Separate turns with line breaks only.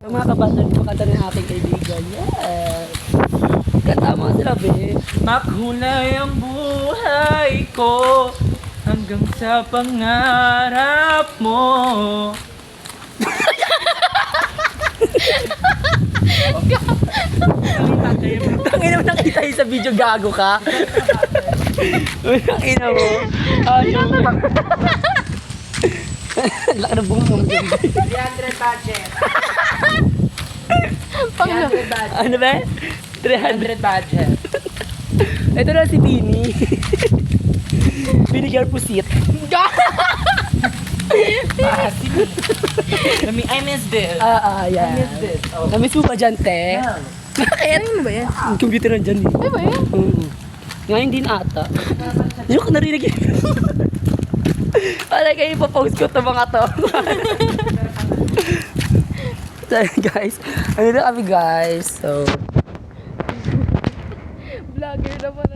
Ang mga kabatan, pakanta ng aking kaibigan. Yes! Kanta mo sila, be.
Makulay ang buhay ko hanggang sa pangarap mo.
Tangin naman nakita yun sa video, gago ka. Uy, nakina mo. Ayun. Laki na bunga mo.
300 budget. 300 budget.
Ano ba? 300.
300 budget.
Ito na si Bini. Bini Girl Pusit.
I miss this.
Yan.
I miss this. Oh.
Namiss mo ba dyan, te?
Yeah.
Bakit? Ano ba yan? Ang computer na dyan eh.
Ay ba yan?
Ngayon din ata. Yung ko narinig yun. Wala kayo ipapost ko ito mga to. So guys, ano na kami guys. So,
Vlogger na pala.